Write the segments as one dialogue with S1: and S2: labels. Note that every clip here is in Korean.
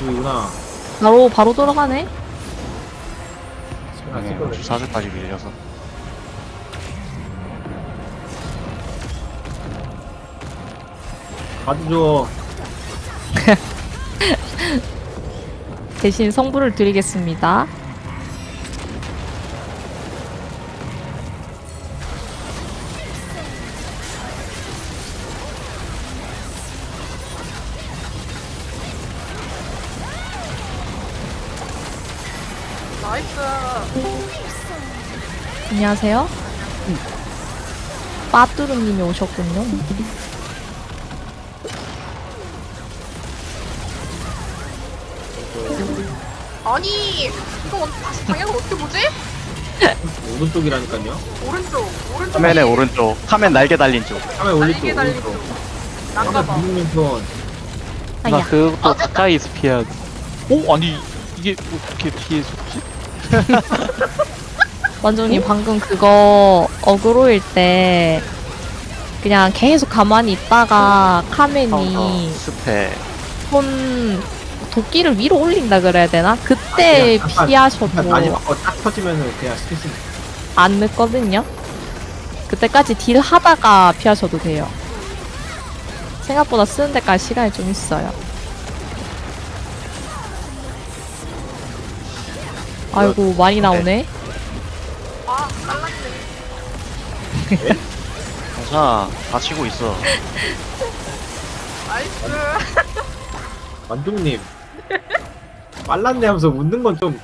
S1: 저쪽이구나.
S2: 바로 돌아가네.
S3: 네, 주사슬까지 밀려서.
S1: 가주죠.
S2: 대신 성부를 드리겠습니다.
S4: 나이스.
S2: 안녕하세요. 빠뚜루님이 오셨군요.
S4: 아니 이거 다시 방향을 어떻게 보지?
S1: 오른쪽이라니까요.
S4: 오른쪽.
S3: 카멘의 오른쪽. 카멘 날개 달린 쪽.
S1: 카메라 올릴 쪽.
S4: 날개 달린
S1: 오른쪽.
S4: 쪽.
S1: 카메라
S4: 난가봐.
S1: 비빔면 편.
S2: 아야.
S5: 나 그것도 가까이서 피해야 돼. 오? 아니 이게 어떻게 피해줬지?
S2: 원종님 방금 그거 어그로일 때 그냥 계속 가만히 있다가 카멘이
S3: 스페.
S2: 손 도끼를 위로 올린다 그래야 되나? 그때
S1: 약간
S2: 피하셔도
S1: 마지막 딱 터지면은 그냥 스페이스.
S2: 안 늦거든요. 그때까지 딜 하다가 피하셔도 돼요. 생각보다 쓰는 데까지 시간이 좀 있어요. 아이고 많이 나오네.
S4: 아 빨랐네.
S3: 괜찮아. 다치고 있어.
S4: 나이스.
S1: 만종님. 빨랐네 하면서 웃는 건 좀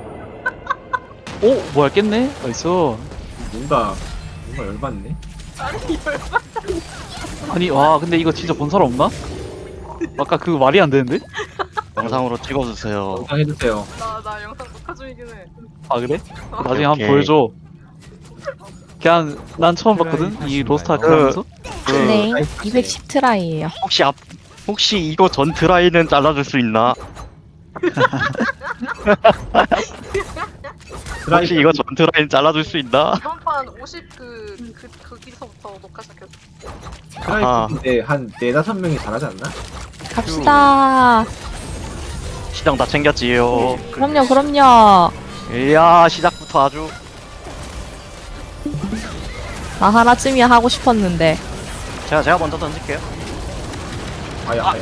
S5: 오? 뭐야 깼네? 나이스.
S1: 뭔가 열받네.
S4: 아니 열받.
S5: 아니 와 근데 이거 진짜 본 사람 없나? 아까 그거 말이 안 되는데?
S3: 영상으로 찍어주세요.
S1: 영상 해주세요.
S4: 나 영상 녹화 중이긴 해.
S5: 아 그래? 나중에
S3: 오케이.
S5: 한번 보여줘. 그냥 난 처음 봤거든? 이 로스트아크 하면서?
S2: 네,
S1: 나이스.
S2: 210 트라이예요.
S3: 혹시 이거 전 드라이는 잘라줄 수 있나? 혹시 이거 전 드라이는 잘라줄 수 있나?
S4: 이번 판 50 거기서부터 녹화 시작했어.
S1: 트라이프인데 한 4-5명이 잘하지 않나?
S2: 갑시다.
S3: 시장 다 챙겼지요.
S2: 그럼요.
S3: 이야 시작부터 아주.
S2: 나 하나쯤이야 하고 싶었는데.
S3: 제가 먼저 던질게요.
S1: 아야.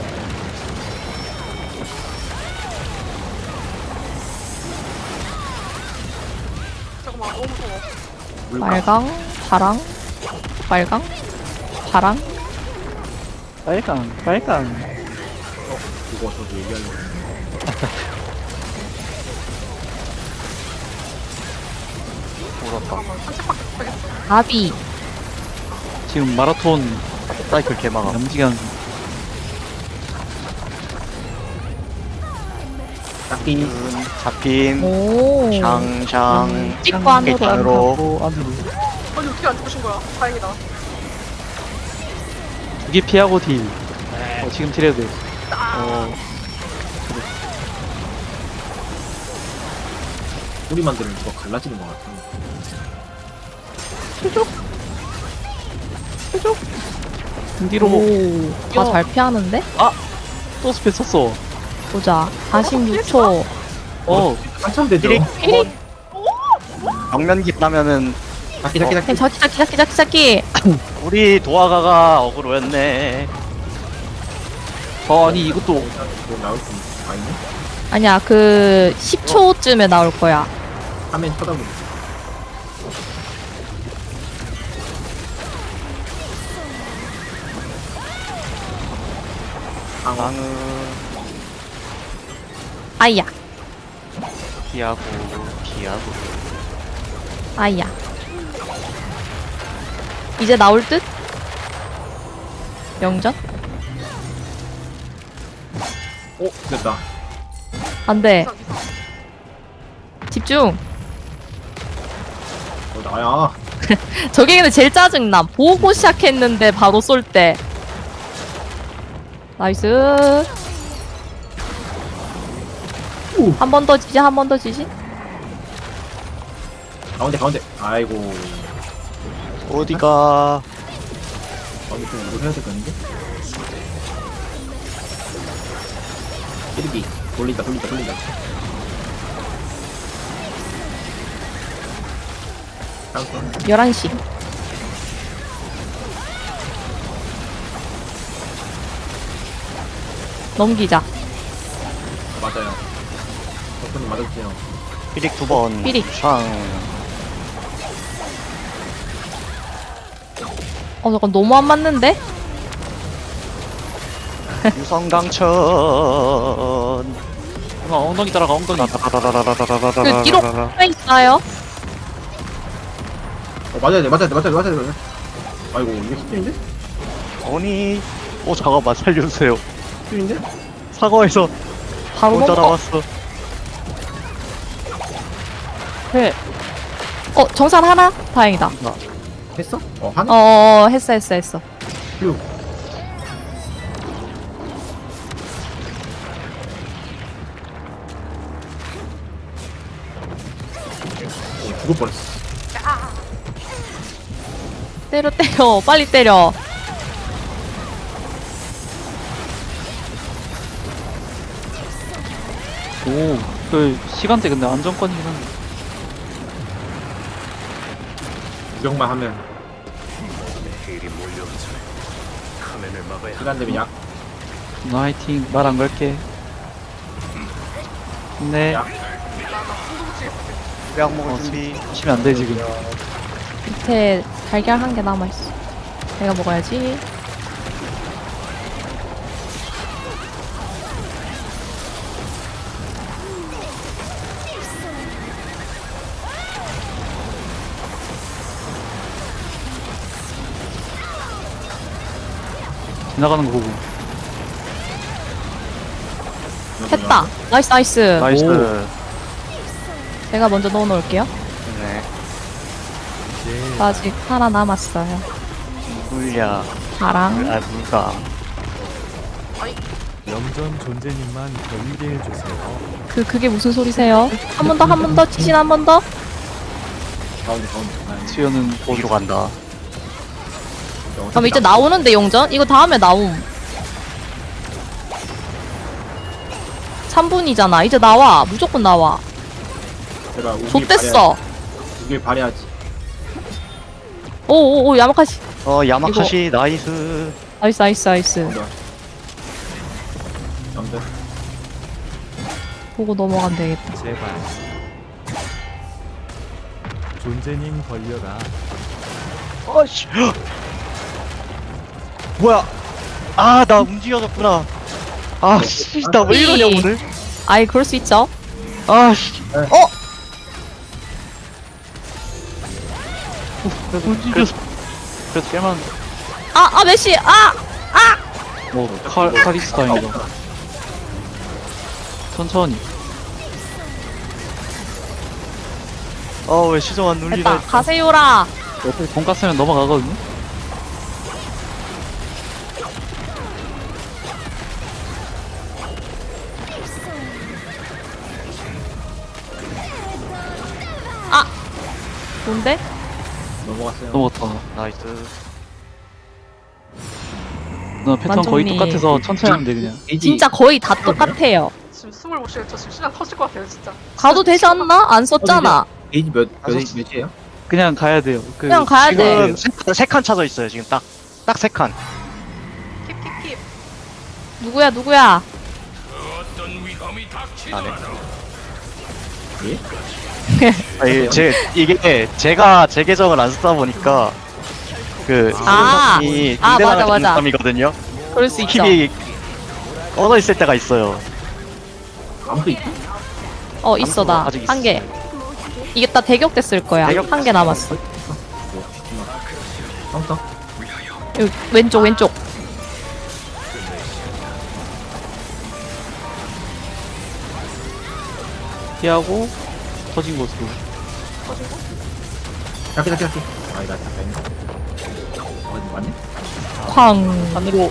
S4: 잠깐만 너무 무서워.
S2: 빨강, 파랑, 빨강, 파랑.
S5: 빨강.
S1: 이거 저도 얘기하려고.
S3: 울었다.
S4: 잠깐만 산책밖에 못하겠어.
S2: 나비.
S5: 지금 마라톤
S3: 사이클 개망함.
S5: 염지경
S1: 딱히
S3: 잡힌.
S2: 오.
S3: 샹샹.
S2: 찍고 안으로.
S3: 안으로.
S5: 안으로
S4: 아니 어떻게 안 죽으신 거야? 다행이다.
S5: 두개 피하고 딜. 지금 딜해도 돼.
S1: 소리 만들면 누가 갈라지는 것 같아.
S5: 뒤로
S2: 오. 다 잘 피하는데?
S5: 또 스페 썼어.
S2: 보자. 46초.
S1: 한참 되죠?
S3: 띠릭. 정면기 따면은
S1: 자기.
S2: 자기.
S3: 우리 도화가가 어그로였네.
S5: 아니 이것도
S1: 뭐 나올 수 아니네?
S2: 아니야, 그 10초쯤에 나올 거야.
S1: 화면 쳐다보고.
S3: 방은
S2: 아이야.
S3: 피하고.
S2: 아이야. 이제 나올 듯? 영전?
S1: 오 됐다.
S2: 안 돼.
S4: 이상 이상.
S2: 집중.
S1: 나야.
S2: 저게 근데 제일 짜증남. 보고 시작했는데 바로 쏠 때. 나이스. 한 번 더 지지, 한 번 더 지지.
S1: 가운데. 아이고.
S3: 어디가?
S1: 가운데 좀 이걸 해야 될 거 아닌데? 1기. 돌린다 돌린다 돌린다. 카운터.
S2: 11시. 넘기자.
S1: 맞아요. 덕분님 맞았지요.
S3: 삐릭 2번.
S2: 삐릭.
S3: 샹.
S2: 잠깐 너무 안 맞는데?
S3: 유성강천.
S5: 엉덩이 따라가 엉덩이.
S2: 그 뒤로 왜 있어요?
S1: 맞아야 돼 맞아야 돼 맞아야 돼 맞아야 돼. 아이고 이게 스킬인데?
S3: 아니. 잠깐만 살려주세요.
S1: 스킬인데?
S3: 사과에서
S2: 바로
S3: 혼자
S2: 넘어.
S3: 나왔어.
S2: 네. 정산 하나? 다행이다.
S1: 했어? 하네?
S2: 했어.
S1: 휴. 죽을 뻔했어.
S2: 때려. 빨리 때려.
S5: 오, 그 시간대 근데 안정권이긴 한데.
S1: 구경만 하면 시간 되면 약.
S5: 너 화이팅. 말 안 걸게. 네.
S1: 야.
S3: 약 먹을 준비.
S5: 치면 안 돼 지금.
S2: 밑에 달걀 한 개 남아있어. 내가 먹어야지.
S5: 지나가는 거 보고.
S2: 했다. 나이스.
S3: 나이스.
S2: 제가 먼저 넣어놓을게요.
S3: 네.
S2: 아직 하나 남았어요.
S3: 물야.
S2: 파랑.
S3: 물가.
S6: 영전 존재님만 견디게 해주세요.
S2: 그게 무슨 소리세요? 한 번 더, 치신 한 번 더?
S1: 가운데.
S5: 수연은
S3: 어디로 간다.
S2: 그럼 이제 나오는데, 용전? 이거 다음에 나옴. 3분이잖아. 이제 나와. 무조건 나와.
S1: 제가
S2: 좆됐어.
S1: 우길 발휘하지.
S2: 오, 야마카시.
S3: 야마카시 나이스.
S2: 나이스.
S1: 남들.
S2: 보고 넘어가면 되겠다.
S6: 제발. 존재님 걸려라.
S3: 어씨. 뭐야? 나 움직여졌구나. 씨, 나 왜 이러냐 오늘?
S2: 아이, 그럴 수 있죠.
S3: 씨.
S5: 움직였어. 그래도 깨만.
S2: 메시!
S5: 카리스 다행이다. 천천히.
S3: 왜 시정 안 눌리나?
S2: 됐다. 가세요라.
S5: 어차피 돈가스면 넘어가거든요.
S2: 뭔데?
S1: 넘어갔어요.
S5: 넘어갔다.
S3: 나이스.
S5: 나 패턴 거의
S2: 완전히
S5: 똑같아서 천천히 하면 돼 그냥.
S2: 진짜 거의 다 똑같아요.
S4: 지금 숨을 못 쉬어요. 저 지금 시간 터질 것 같아요, 진짜.
S2: 가도 되지 않나? 안 썼잖아.
S1: 게이지 몇이에요?
S5: 그냥 가야 돼요.
S2: 그냥 가야 돼.
S3: 지금 세 칸 차져 있어요. 지금 딱 세 칸.
S4: 킵.
S2: 누구야?
S1: 예?
S3: 이게 제가 제 계정을 안 쓰다 보니까 이
S2: 맞아.
S3: 이거든요.
S2: 그럴 수 있죠.
S3: 킵이 꺼져 있을 때가 있어요.
S1: 아무도 있어?
S2: 있어, 나.
S3: 아직
S2: 한 개. 이게 다 대격 됐을 거야.
S3: 대격
S2: 한 개 남았어.
S1: 카운터?
S2: 여기, 왼쪽.
S5: 피하고 터진 곳으로.
S1: 잡기. 나 잠깐. 맞네?
S2: 쾅.
S5: 하늘로.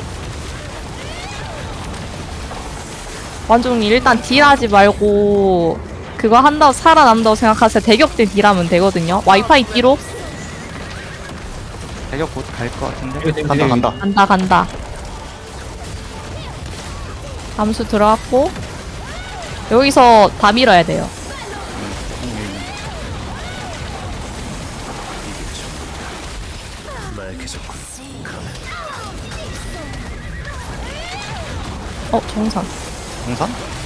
S2: 완전히 일단 딜하지 말고 그거 한다고 살아남다고 생각하세요. 대격대 딜하면 되거든요. 와이파이 뒤로
S3: 대격 곧 갈 것 같은데.
S1: 이거 되게-
S3: 간다.
S2: 간다. 암수 들어갔고 여기서 다 밀어야 돼요. 정산.
S3: 공산?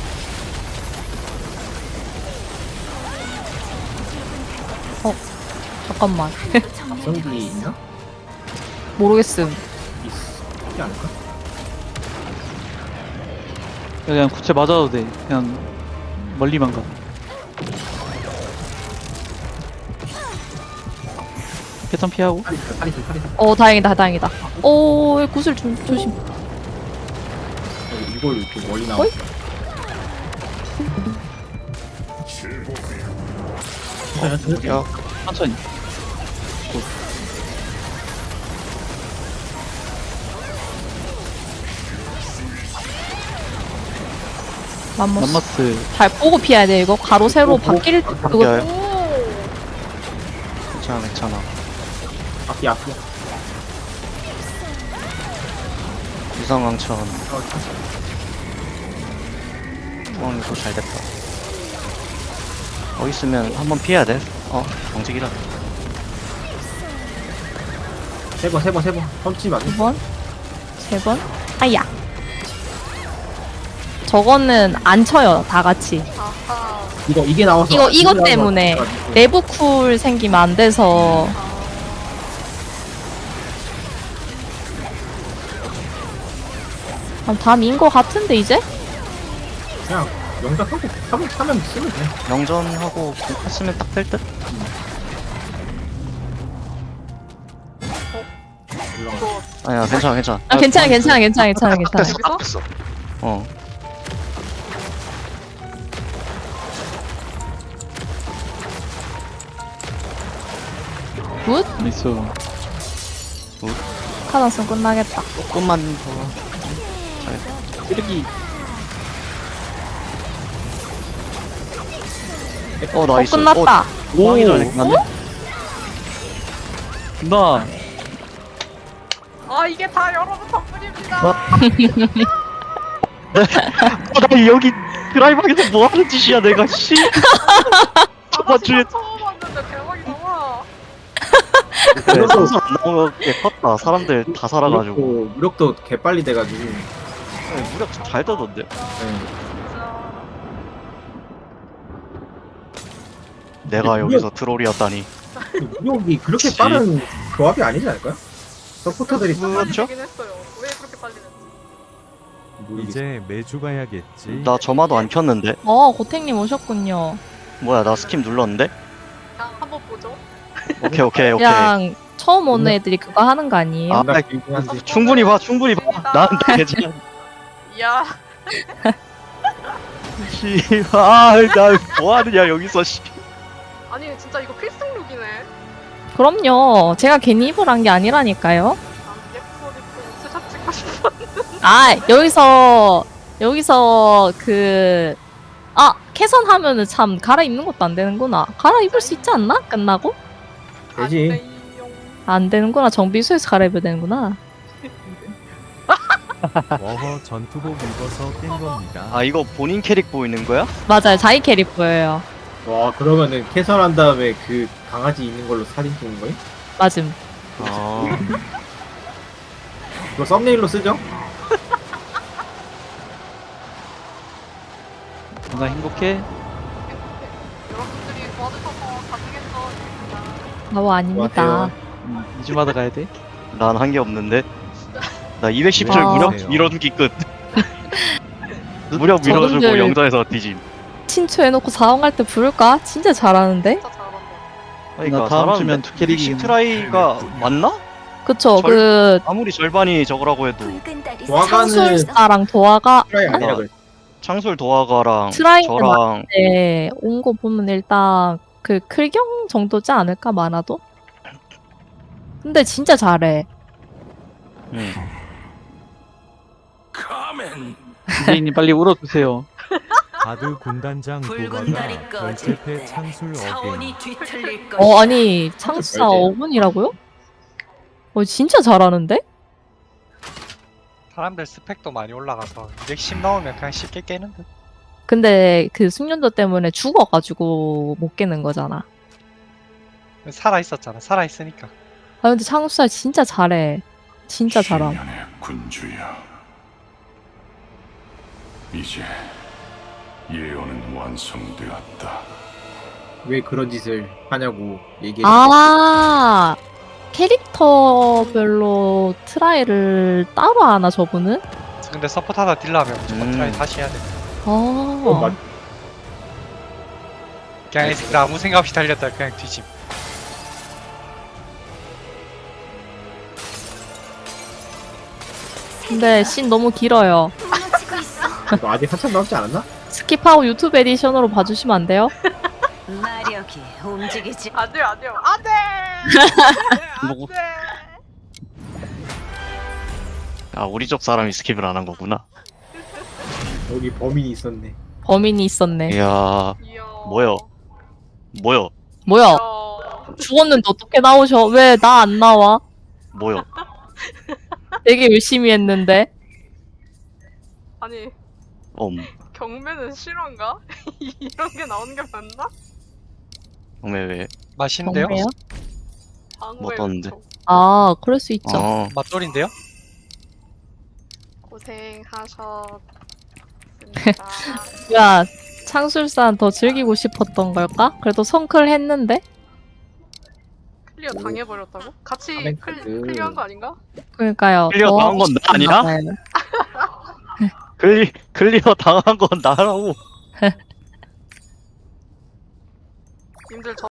S2: 잠깐만.
S1: 앞성기 있나?
S2: 모르겠음.
S1: 있지 않을까?
S5: 그냥 구체 맞아도 돼. 그냥 멀리만 가. 패턴 피하고.
S1: 파리스.
S2: 다행이다, 다행이다. 구슬 조심.
S1: 이걸 이렇게 멀리 나와.
S2: 어이?
S3: 야,
S5: 천천히.
S2: 맘모스.
S5: 맘마스.
S2: 잘 보고 피해야 돼, 이거. 가로, 세로 바뀔, 그거.
S3: 바뀌어요.
S4: 오.
S3: 괜찮아.
S1: 앞이.
S3: 유성왕천. 이거 잘 됐다. 있으면 한번 피해야 돼. 경직이라.
S1: 세 번. 펀치 맞네.
S2: 2번, 3번. 아야. 저거는 안 쳐요, 다 같이.
S4: 아하.
S1: 이게 나와서.
S2: 이거 때문에 내부 쿨 생기면 안 돼서. 다 민 거 같은데, 이제?
S1: 그냥 영작하고 하면 쓰면 돼.
S3: 영전하고 했으면 딱 될 듯?
S1: 올라가.
S4: 이거
S3: 아니야, 괜찮아.
S2: 괜찮아.
S3: 딱 됐어.
S2: 굿?
S5: 나이스.
S2: 카단슨 끝나겠다.
S3: 조금만 더.
S5: 쓰레기.
S3: 나이스.
S2: 끝났다.
S3: 하기 전에 끝났네.
S5: 나.
S4: 아 이게 다 여러분 덕분입니다.
S3: 나 여기 드라이브에서 뭐 하는 짓이야, 내가, 씨. 저번 주에
S4: 처음 왔는데 대박이다.
S3: 그래, 선수 안 나오게 컸다. 사람들 다 살아가지고.
S1: 무력도 개빨리 돼가지고.
S3: 무력 잘 떠던데.
S1: 네.
S4: 진짜.
S3: 내가 여기서 트롤이었다니.
S1: 무력이 그렇게
S3: 그치.
S1: 빠른 조합이 아니지 않을까요? 서포터들이
S3: 그렇죠?
S4: 되긴 했어요. 왜 그렇게 빨리 됐지?
S1: 모르겠어.
S6: 이제 매주 가야겠지.
S3: 나 점화도 안 켰는데.
S2: 고택님 오셨군요.
S3: 뭐야, 나 스킵 눌렀는데?
S4: 그냥 한번 보죠.
S3: 오케이.
S2: 그냥 처음 오는 애들이 그거 하는 거 아니에요?
S3: 아,
S1: 나 길긴 한데.
S3: 충분히 봐. 난 괜찮아.
S4: 이야.
S3: 나 뭐하느냐, 여기서, 씨.
S4: 아니 진짜 이거 필승룩이네.
S2: 그럼요. 제가 괜히 입을 한 게 아니라니까요.
S4: 난 예쁘고 스샷 찍고 싶어.
S2: 여기서 캐선하면은 참 갈아입는 것도 안 되는구나. 갈아입을 수 있지 않나? 끝나고?
S1: 되지.
S2: 안 되는구나. 정비소에서 갈아입어야 되는구나.
S6: 워허 전투복 입어서 깬 겁니다.
S3: 아, 이거 본인 캐릭 보이는 거야?
S2: 맞아요. 자기 캐릭 보여요.
S1: 와 그러면은 캐선한 다음에 그 강아지 있는 걸로 사진 찍는 거예요?
S2: 맞음.
S3: 아,
S1: 이거 썸네일로 쓰죠?
S5: 나 행복해.
S4: 여러분들이 도와주셔서 가능했어.
S2: 나와 아닙니다.
S1: 안녕하세요.
S5: 2주마다 가야 돼.
S3: 난 한 게 없는데. 나 210줄
S2: 와.
S3: 무력 밀어주기 끝. 무력 밀어주고
S2: 저분들-
S3: 영전에서 뒤짐.
S2: 친추해놓고 사원갈 때 부를까? 진짜 잘하는데?
S4: 진짜 잘한다.
S3: 그러니까
S5: 나 다음 주면
S3: 잘하는데.
S5: 두 캐릭이
S3: 210 트라이가 맞나?
S2: 그쵸.
S3: 아무리 절반이 저거라고 해도
S1: 도화가는
S2: 창술사랑 도화가
S1: 트라이 아니라
S3: 아,
S1: 그래.
S3: 창술 도화가랑
S2: 트라이는
S3: 저랑
S2: 온 거 보면 일단 그 클경 정도지 않을까 많아도? 근데 진짜 잘해.
S5: 디제이님 빨리 울어주세요.
S6: 바드 군단장 도가가 결제패 창술 어게인.
S2: 아니 창수사
S1: 절대.
S2: 5분이라고요? 진짜 잘하는데?
S7: 사람들 스펙도 많이 올라가서 210 넣으면 그냥 쉽게 깨는 듯.
S2: 근데 그 숙련도 때문에 죽어가지고 못 깨는 거잖아.
S3: 살아 있었잖아. 살아 있으니까.
S2: 아 근데 창수야 진짜 잘해. 진짜 잘함.
S7: 신년의 군주야. 이제 예언은 완성되었다.
S1: 왜 그런 짓을 하냐고 얘기해.
S2: 아 캐릭터별로 트라이를 따로 하나 저분은?
S3: 근데 서포트하다 딜러하면 무조건 트라이 다시 해야 돼.
S1: 맞.
S3: 그냥 이 새끼 아무 생각 없이 달렸다 그냥 뒤집.
S2: 근데 씬 너무 길어요.
S1: 너 아직 한참 남지 않았나?
S2: 스킵하고 유튜브 에디션으로 봐주시면 안 돼요?
S8: 마력이 움직이지.
S4: 안 돼요, 안 돼요. 안 돼!
S5: 뭐고?
S4: 안 돼!
S5: 아 우리 쪽 사람이 스킵을 안 한 거구나.
S1: 여기 범인이 있었네.
S2: 범인이 있었네.
S5: 이야
S4: 이야.
S5: 뭐요? 뭐요?
S2: 뭐야?
S4: 이야.
S2: 죽었는데 어떻게 나오셔? 왜 나 안 나와?
S5: 뭐요?
S2: 되게 열심히 했는데.
S4: 아니, 경매는 실화인가? 이런 게 나오는 게 맞나?
S5: 정말 왜?
S3: 맛있는데요?
S2: 정말요?
S4: 방어의
S5: 뭐 떴는데?
S4: 은총.
S2: 아 그럴 수 있죠.
S5: 어
S3: 맛돌인데요?
S4: 고생하셨습니다.
S2: 야 창술산 더 즐기고 싶었던 걸까? 그래도 성클 했는데?
S4: 클리어 당해버렸다고? 같이
S1: 아멘카드.
S4: 클리어한 거 아닌가?
S2: 그러니까요.
S5: 클리어
S2: 더
S5: 당한 건 나 아니야?
S2: 싶었나 봐요.
S5: 클리어 당한 건 나라고.
S4: 님들 저